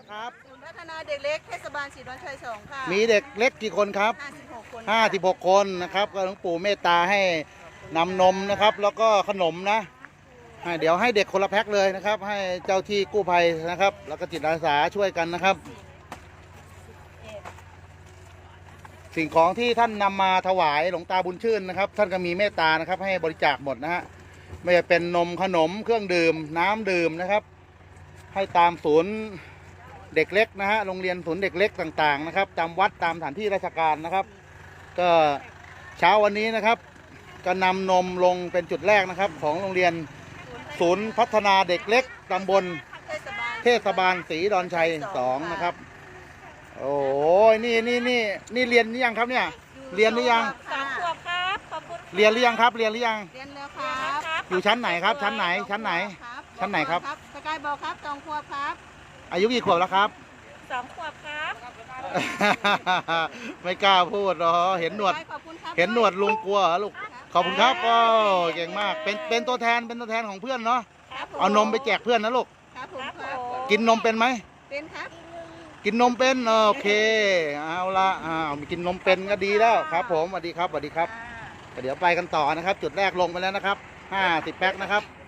ครับศูนย์พัฒนาเด็กเล็กเทศบาลศรีดอนชัย2ค่ะมีเด็กเล็กกี่คนครับ 56 คน 56 คนนะครับก็หลวงปู่เมตตาให้นำนมนะครับแล้วก็ขนมนะเดี๋ยวให้เด็กคนละแพ็คเลยนะครับให้เจ้าที่กู้ภัยนะครับแล้วก็จิตอาสาช่วยกันนะครับสิ่งของที่ท่านนำมาถวายหลวงตาบุญชื่นนะครับท่านก็มีเมตตานะครับให้บริจาคหมดนะฮะไม่ว่าเป็นนมขนมเครื่องดื่มน้ำดื่มนะครับให้ตามศูนย์เด็กเล็กนะฮะโรงเรียนศูนย์เด็กเล็กต่างๆนะครับตามวัดตามสถานที่ราชการนะครับก็เช้าวันนี้นะครับก็นำนมลงเป็นจุดแรกนะครับของโรงเรียนศูนย์พัฒนาเด็กเล็กตำบลเทศบาลศรีดอนชัย2นะครับโอ้ยนี่เรียนหรือยังครับเนี่ยเรียนหรือยัง 3 ขวบครับขอบคุณเรียนหรือยังครับเรียนหรือยังเรียนแล้วครับอยู่ชั้นไหนครับชั้นไหนชั้นไหนครับสกายบอกครับ2 ขวบครับอายุกี่ขวบแล้วครับ 2 ขวบครับไม่กล้าพูดหรอเห็นหนวดลุงกลัวเหรอลูกขอบคุณครับโอ้เก่งมากเป็นตัวแทนของเพื่อนเนาะเอานมไปแจกเพื่อนนะลูกกินนมเป็นไหมเป็นครับกินนมเป็นโอเคเอาละมีกินนมเป็นก็ดีแล้วครับผมสวัสดีครับเดี๋ยวไปกันต่อนะครับจุดแรกลงไปแล้วนะครับ50 แพ็คนะครับ